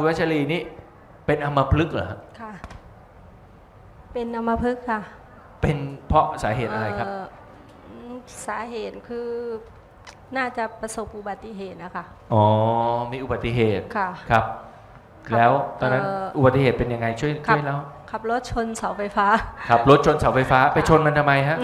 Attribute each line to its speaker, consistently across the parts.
Speaker 1: คุณวัชรีนี่เป็นอัมพฤกษ์เหรอฮะ
Speaker 2: ค่ะเป็นอัมพฤกษ์ค่ะ
Speaker 1: เป็นเพราะสาเหตุอะไรครับ
Speaker 2: สาเหตุคือน่าจะประสบอุบัติเหตุนะคะ
Speaker 1: อ๋อมีอุบัติเหตุ
Speaker 2: ค่ะ
Speaker 1: ครับแล้วตอนนั้นอุบัติเหตุเป็นยังไงช่วยแล้ว
Speaker 2: ขับรถชนเสาไฟฟ้า
Speaker 1: ขับรถชนเสาไฟฟ้าไปชนมันทำไมฮะ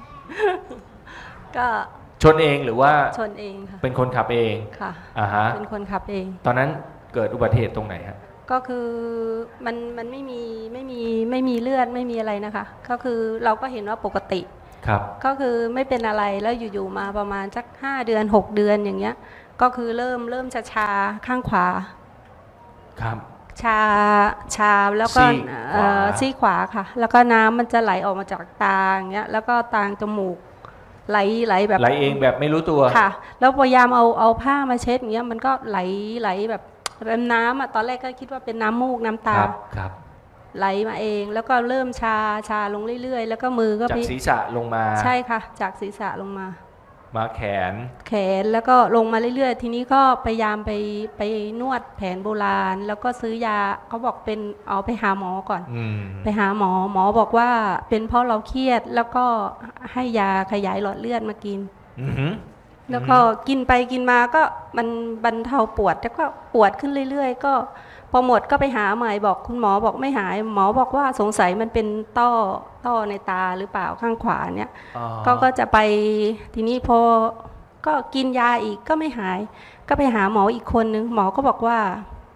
Speaker 2: ก็
Speaker 1: ชนเองหรือว่า
Speaker 2: ชนเองค่ะ
Speaker 1: เป็นคนขับเอง
Speaker 2: ค่ะ
Speaker 1: ฮะ
Speaker 2: เป็นคนขับเอง
Speaker 1: ตอนนั้นเกิดอุบัติเหตุตรงไหนฮะ
Speaker 2: ก็คือมันไม่มีเลือดไม่มีอะไรนะคะก็คือเราก็เห็นว่าปกติ
Speaker 1: ครับ
Speaker 2: ก็คือไม่เป็นอะไรแล้วอยู่ๆมาประมาณสัก5 เดือน 6 เดือนอย่างเงี้ยก็คือเริ่มจะชาข้างขวา
Speaker 1: ครับ
Speaker 2: ชาแล้วก็ซี่ขวาค่ะแล้วก็น้ำมันจะไหลออกมาจากตาอย่างเงี้ยแล้วก็ตางจมูกไหลแบบ
Speaker 1: ไหลเองแบบไม่รู้ตัว
Speaker 2: ค่ะแล้วพยายามเอาผ้ามาเช็ดอย่างเงี้ยมันก็ไหลแบบเป็นน้ำอ่ะตอนแรกก็คิดว่าเป็นน้ำมูกน้ำตา
Speaker 1: ครับ
Speaker 2: ไหลมาเองแล้วก็เริ่มชาลงเรื่อยๆแล้วก็มือก็
Speaker 1: จากศีรษะลงมา
Speaker 2: ใช่ค่ะจากศีรษะลงมา
Speaker 1: แข
Speaker 2: นแล้วก็ลงมาเรื่อยๆทีนี้ก็พยายามไปนวดแผนโบราณแล้วก็ซื้อยาเขาบอกเป็นเอาไปหาหมอก่อนไปหาหมอบอกว่าเป็นเพราะเราเครียดแล้วก็ให้ยาขยายหลอดเลือดมากินแล้วก็กินไปกินมาก็มันบรรเทาปวดแล้วก็ปวดขึ้นเรื่อยๆก็พอหมดก็ไปหาใหม่บอกคุณหมอบอกไม่หายหมอบอกว่าสงสัยมันเป็นต้อในตาหรือเปล่าข้างขวาเนี่ยก็จะไปทีนี้พอก็กินยาอีกก็ไม่หายก็ไปหาหมออีกคนนึงหมอก็บอกว่า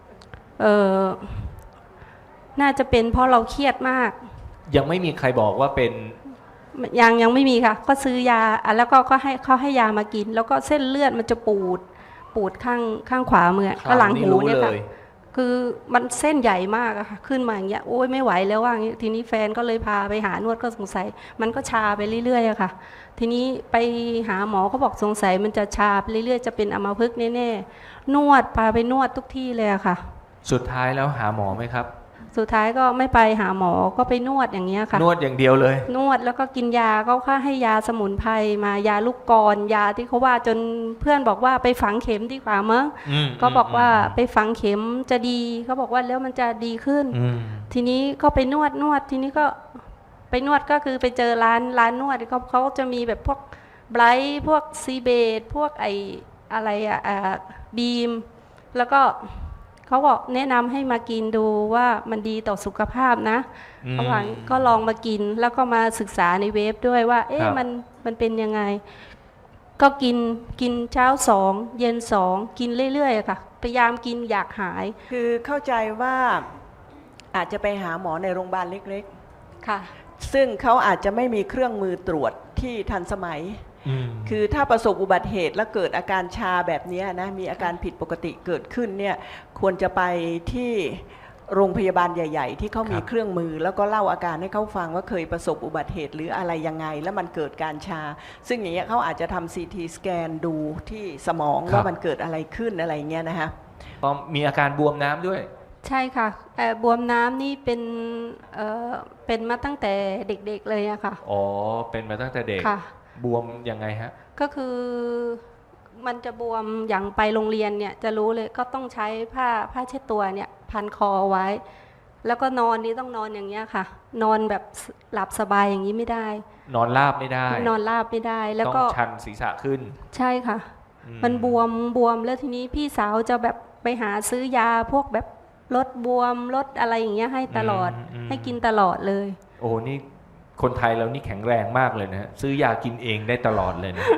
Speaker 2: น่าจะเป็นเพราะเราเครียดมาก
Speaker 1: ยังไม่มีใครบอกว่าเป็น
Speaker 2: ยังไม่มีค่ะก็ซื้อยาแล้วก็ให้เขาให้ยามากินแล้วก็เส้นเลือดมันจะปูดข้างขวามือก็หลังหูเนี่ยค่ะคือมันเส้นใหญ่มากอะค่ะขึ้นมาอย่างเงี้ยโอ้ยไม่ไหวแล้วว่าอย่างนี้ทีนี้แฟนก็เลยพาไปหานวดก็สงสัยมันก็ชาไปเรื่อยๆอะค่ะทีนี้ไปหาหมอเขาบอกสงสัยมันจะชาไปเรื่อยๆจะเป็นอัมพฤกษ์แน่ๆนวดพาไปนวดทุกที่เลยอะค่ะ
Speaker 1: สุดท้ายแล้วหาหมอไหมครับ
Speaker 2: สุดท้ายก็ไม่ไปหาหมอก็ไปนวดอย่างเงี้ยค่ะ
Speaker 1: นวดอย่างเดียวเลย
Speaker 2: นวดแล้วก็กินยาเขาค่าให้ยาสมุนไพรมายาลูกกรยาที่เขาว่าจนเพื่อนบอกว่าไปฝังเข็มดีกว่ามั้งก็บอกว่าไปฝังเข็มจะดีเขาบอกว่าแล้วมันจะดีขึ้นทีนี้ก็ไปนวดทีนี้ก็ไปนวดก็คือไปเจอร้านนวดเขาจะมีแบบพวกไบรท์พวกซีเบตพวกไออะไรบีมแล้วก็เขาบอกแนะนำให้มากินดูว่ามันดีต่อสุขภาพนะระหว่างก็ลองมากินแล้วก็มาศึกษาในเว็บด้วยว่าเอ๊ะมันเป็นยังไงก็กินเช้า2เย็น2กินเรื่อยๆค่ะพยายามกินอยากหาย
Speaker 3: คือเข้าใจว่าอาจจะไปหาหมอในโรงพยาบาลเล็ก
Speaker 2: ๆค่ะ
Speaker 3: ซึ่งเขาอาจจะไม่มีเครื่องมือตรวจที่ทันสมัยคือถ้าประสบอุบัติเหตุแล้วเกิดอาการชาแบบนี้นะมีอาการผิดปกติเกิดขึ้นเนี่ยควรจะไปที่โรงพยาบาลใหญ่ๆที่เขามีเครื่องมือแล้วก็เล่าอาการให้เขาฟังว่าเคยประสบอุบัติเหตุหรืออะไรยังไงแล้วมันเกิดการชาซึ่งอย่างเงี้ยเขาอาจจะทำ CT สแกนดูที่สมองว่ามันเกิดอะไรขึ้นอะไรเงี้ยนะคะ
Speaker 1: พอมีอาการบวมน้ำด้วย
Speaker 2: ใช่ค่ะบวมน้ำนี่เป็นมาตั้งแต่เด็กๆเลยอะค่ะ
Speaker 1: อ๋อเป็นมาตั้งแต่เด็กบวมยังไงฮะ
Speaker 2: ก็คือมันจะบวมอย่างไปโรงเรียนเนี่ยจะรู้เลยก็ต้องใช้ผ้าเช็ดตัวเนี่ยพันคอไว้แล้วก็นอนนี่ต้องนอนอย่างเงี้ยค่ะนอนแบบหลับสบายอย่างนี้ไม่ได้
Speaker 1: นอนราบไม่ได้
Speaker 2: นอนราบไม่ได้แล้วก็
Speaker 1: ต้องชันศีรษะขึ้น
Speaker 2: ใช่ค่ะมันบวมแล้วทีนี้พี่สาวจะแบบไปหาซื้อยาพวกแบบลดบวมลดอะไรอย่างเงี้ยให้ตลอดให้กินตลอดเลย
Speaker 1: โอ้นี่คนไทยเรานี่แข็งแรงมากเลยนะซื้อยากินเองได้ตลอดเลยนะ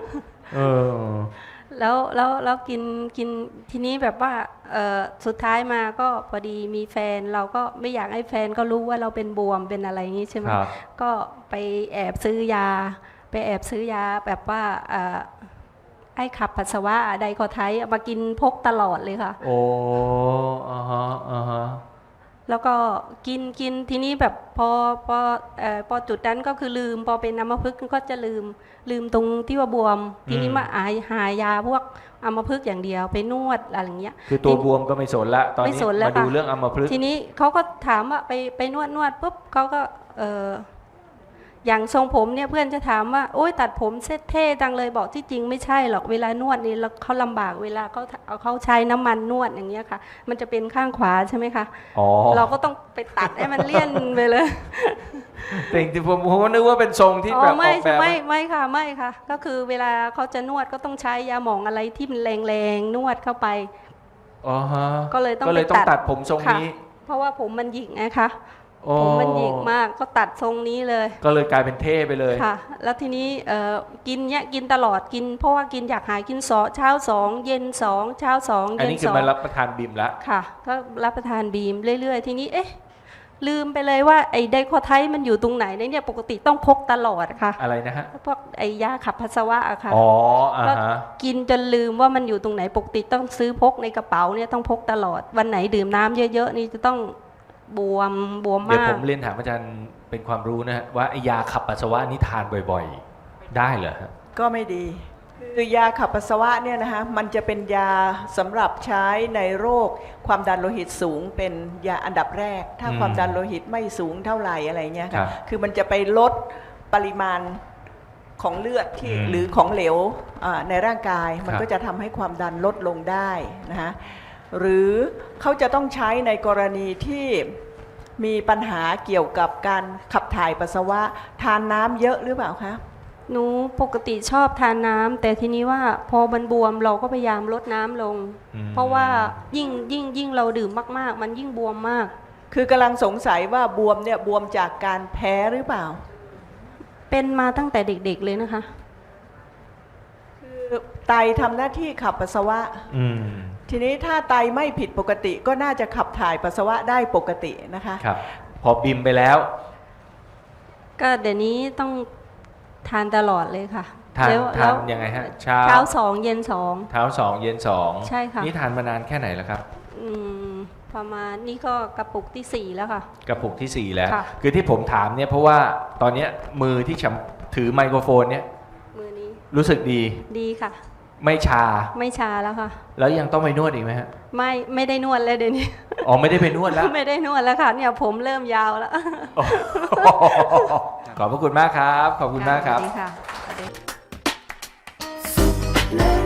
Speaker 2: แล้วกินทีนี้แบบว่าสุดท้ายมาก็พอดีมีแฟนเราก็ไม่อยากให้แฟนก็รู้ว่าเราเป็นบวมเป็นอะไรอย่างนี้ใช่ไหมก็ไปแอบซื้อยาแบบว่าไอ้ขับปัสสาวะไดคอไทป์มากินพกตลอดเลยค่ะ
Speaker 1: โอ้
Speaker 2: แล้วก็กินทีนี้แบบพอจุดนั้นก็คือลืมพอเป็นอัมพฤกษ์ก็จะลืมตรงที่ว่าบวมทีนี้มาหายาพวกอัมพฤกษ์อย่างเดียวไปนวดอะไรอย่างเงี้ย
Speaker 1: คือตัวบวมก็ไม่สนละตอนนี้มาดูเรื่องอัมพฤกษ์
Speaker 2: ทีนี้เขาก็ถามว่าไปนวดปุ๊บเขาก็อย่างทรงผมเนี่ยเพื่อนจะถามว่าโอ๊ยตัดผมเซ็ตเท่จังเลยบอกที่จริงไม่ใช่หรอกเวลานวดนี่เขาลำบากเวลาเขาใช้น้ำมันนวดอย่างเงี้ยค่ะมันจะเป็นข้างขวาใช่ไหมคะ
Speaker 1: อ๋อ
Speaker 2: เราก็ต้องไปตัดให้มันเลี่ยนไปเลย
Speaker 1: แต่จริงๆผมก็นึกว่าเป็นทรงที่
Speaker 2: อ๋
Speaker 1: แบบ
Speaker 2: อไม่
Speaker 1: ออกแบบ
Speaker 2: ไม่ค่ะไม่ค่ะ ก็คือเวลาเขาจะนวดก็ต้องใช้ยาหมองอะไรที่มันแรงๆนวดเข้าไป
Speaker 1: อ๋อฮะ
Speaker 2: ก็เลยต้อง
Speaker 1: ก็เลย
Speaker 2: ไป
Speaker 1: ต้อง
Speaker 2: ตั
Speaker 1: ตั
Speaker 2: ด
Speaker 1: ดผมทรง
Speaker 2: ค่ะ
Speaker 1: นี้
Speaker 2: เพราะว่าผมมันหยิกนะคะ
Speaker 1: โอ้
Speaker 2: ผมมันหยิกมากก็ตัดทรงนี้เลย
Speaker 1: ก็เลยกลายเป็นเท่ไปเลย
Speaker 2: ค่ะ แล้วทีนี้กินเนี่ยกินตลอดกินเพราะว่ากินอยากหายกินเช้า2เย็น2เช้า2
Speaker 1: อัน
Speaker 2: เย็น
Speaker 1: นี้คือ
Speaker 2: 2
Speaker 1: มารับประทานบิมแล้ว
Speaker 2: ค่ะก็รับประทานบีมเรื่อยๆ ทีนี้เอ๊ะลืมไปเลยว่าไอ้ไดโคไทด์มันอยู่ตรงไหนเนี่ยปกติต้องพกตลอดค่ะ
Speaker 1: อะไรนะฮะ
Speaker 2: พวกไอ้ยาขับปัสสาวะอะค่ะ
Speaker 1: อ๋ออ่าฮะ
Speaker 2: กินจนลืมว่ามันอยู่ตรงไหนปกติต้องซื้อพกในกระเป๋าเนี่ยต้องพกตลอดวันไหนดื่มน้ำเยอะๆนี่จะต้องบวม
Speaker 1: เดี๋ยว
Speaker 2: มา
Speaker 1: ผ
Speaker 2: ก
Speaker 1: มเรียนถามอาจารย์เป็นความรู้นะฮะว่าไอ้ยาขับปัสสาวะนี่ทานบ่อยๆ ได้เหรอฮะ
Speaker 3: ก็ไม่ดี คือยาขับปัสสาวะเนี่ยนะคะมันจะเป็นยาสำหรับใช้ในโรคความดันโลหิตสูงเป็นยาอันดับแรก ถ้าความดันโลหิตไม่สูงเท่าไหร่อะไรเงี้ย
Speaker 1: ครั
Speaker 3: ค่ะ
Speaker 1: บ
Speaker 3: คือมันจะไปลดปริมาณของเลือดที่
Speaker 1: อืม
Speaker 3: หรือของเหลวในร่างกายมัน
Speaker 1: ครับ
Speaker 3: ก็จะทำให้ความดันลดลงได้นะคะหรือเขาจะต้องใช้ในกรณีที่มีปัญหาเกี่ยวกับการขับถ่ายปัสสาวะทานน้ำเยอะหรือเปล่าคะ
Speaker 2: หนูปกติชอบทานน้ำแต่ทีนี้ว่าพอมันบวมเราก็พยายามลดน้ำลง
Speaker 1: อืม
Speaker 2: เพราะว่ายิ่งเราดื่มมากๆ มันยิ่งบวมมาก
Speaker 3: คือกำลังสงสัยว่าบวมเนี่ยบวมจากการแพ้หรือเปล่า
Speaker 2: เป็นมาตั้งแต่เด็กๆเลยนะคะ
Speaker 3: คือไตทำหน้าที่ขับปัสสาวะ
Speaker 1: อืม
Speaker 3: ทีนี้ถ้าไตไม่ผิดปกติก็น่าจะขับถ่ายปัสสาวะได้ปกตินะคะ
Speaker 1: ครับ พอบิมไปแล้ว
Speaker 2: ก็เดี๋ยวนี้ต้องทานตลอดเลยค่ะ
Speaker 1: ทาน
Speaker 2: แล้ว
Speaker 1: ทานยังไงฮะ เช้า
Speaker 2: เช้า2เย็น
Speaker 1: เช้า2เย็น2
Speaker 2: ใช่ค่ะ
Speaker 1: นี่ทานมานานแค่ไหนแล้วครับ
Speaker 2: 2ประมาณนี่ก็กระปุกที่ 4 แล้วค่ะ
Speaker 1: กระปุกที่ 4 แล้ว
Speaker 2: ค่ะ
Speaker 1: คือที่ผมถามเนี่ยเพราะว่าตอนเนี้ยมือที่ฉันถือไมโครโฟนเนี่ย
Speaker 2: มือนี้
Speaker 1: รู้สึกดี
Speaker 2: ดีค่ะ
Speaker 1: ไม่ชา
Speaker 2: ไม่ชาแล้วค่ะ
Speaker 1: แล้วยังต้องไปนวดอีกไหมฮะ
Speaker 2: ไม่ได้นวดเลยเดี๋ยวนี้
Speaker 1: อ๋อไม่ได้ไปนวดแล้ว
Speaker 2: ไม่ได้นวดแล้วค่ะเนี่ยผมเริ่มยาวแล้ว
Speaker 1: ขอบพระคุณมากครับ ขอบคุณมากครับ
Speaker 2: สวัสดีค่ะ